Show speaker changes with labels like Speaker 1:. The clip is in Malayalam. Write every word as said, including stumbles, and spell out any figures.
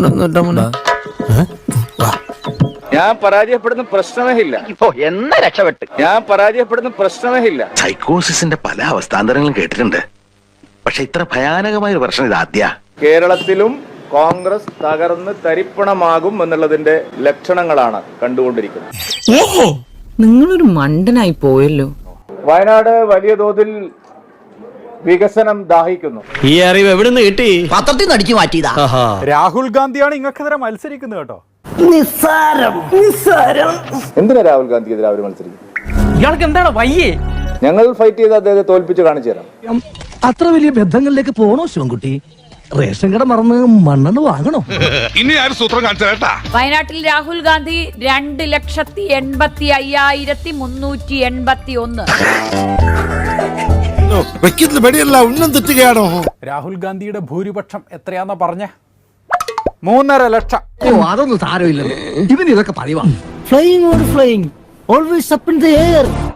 Speaker 1: ഞാൻ പരാജയപ്പെടുന്ന പ്രശ്നമേ ഇല്ല.
Speaker 2: എന്നാ രക്ഷപ്പെട്ട്
Speaker 1: ഞാൻ പരാജയപ്പെടുന്ന പ്രശ്നമേ ഇല്ല.
Speaker 3: സൈക്കോസിന്റെ പല അവസ്ഥാന്തരങ്ങളും കേട്ടിട്ടുണ്ട്. പക്ഷെ ഇത്ര ഭയാനകമായ ഒരു പ്രശ്നം ഇത് ആദ്യ.
Speaker 1: കേരളത്തിലും കോൺഗ്രസ് തകർന്ന് തരിപ്പണമാകും എന്നുള്ളതിന്റെ ലക്ഷണങ്ങളാണ് കണ്ടുകൊണ്ടിരിക്കുന്നത്.
Speaker 4: ഓഹോ, നിങ്ങളൊരു മണ്ടനായി പോയല്ലോ.
Speaker 1: വയനാട് വലിയ തോതിൽ വികസനം ദാഹിക്കുന്നു.
Speaker 5: ഈ അറിവ് എവിടുന്ന് കിട്ടി?
Speaker 2: പത്രത്തിൽ നിന്ന് അടിച്ചു മാറ്റിയതാ.
Speaker 6: രാഹുൽ ഗാന്ധിയാണ് ഇങ്ങക്കെതിരെ മത്സരിക്കുന്നത് കേട്ടോ.
Speaker 4: നിസ്സാരം നിസ്സാരം.
Speaker 1: എന്തിനാ രാഹുൽ ഗാന്ധിക്കെതിരെ അവർ മത്സരിക്കുന്നത്?
Speaker 5: ഇയാൾക്ക് എന്താണ് വയ്യേ?
Speaker 1: ഞങ്ങൾ ഫൈറ്റ് ചെയ്ത് അദ്ദേഹത്തെ തോൽപ്പിച്ച് കാണിച്ചു തരാം.
Speaker 7: അത്ര വലിയ ബന്ധങ്ങളിലേക്ക് പോണോ ശിവൻകുട്ടി? റേഷൻ കട മറന്ന് മണ്ണെണ്ണ വാങ്ങണോ?
Speaker 8: ഇനി ആരും സൂത്രം കാണിച്ചാ.
Speaker 9: വയനാട്ടിൽ രാഹുൽ ഗാന്ധി രണ്ട് ലക്ഷത്തി എൺപത്തി അയ്യായിരത്തി മുന്നൂറ്റി എൺപത്തി ഒന്ന്.
Speaker 6: രാഹുൽ ഗാന്ധിയുടെ ഭൂരിപക്ഷം എത്രയാന്നാ പറഞ്ഞ? മൂന്നര ലക്ഷം.
Speaker 7: അതൊന്നും സാരമില്ല, ഇവന് ഇതൊക്കെ പറയുവാ.
Speaker 4: Flying or flying, always up in the air.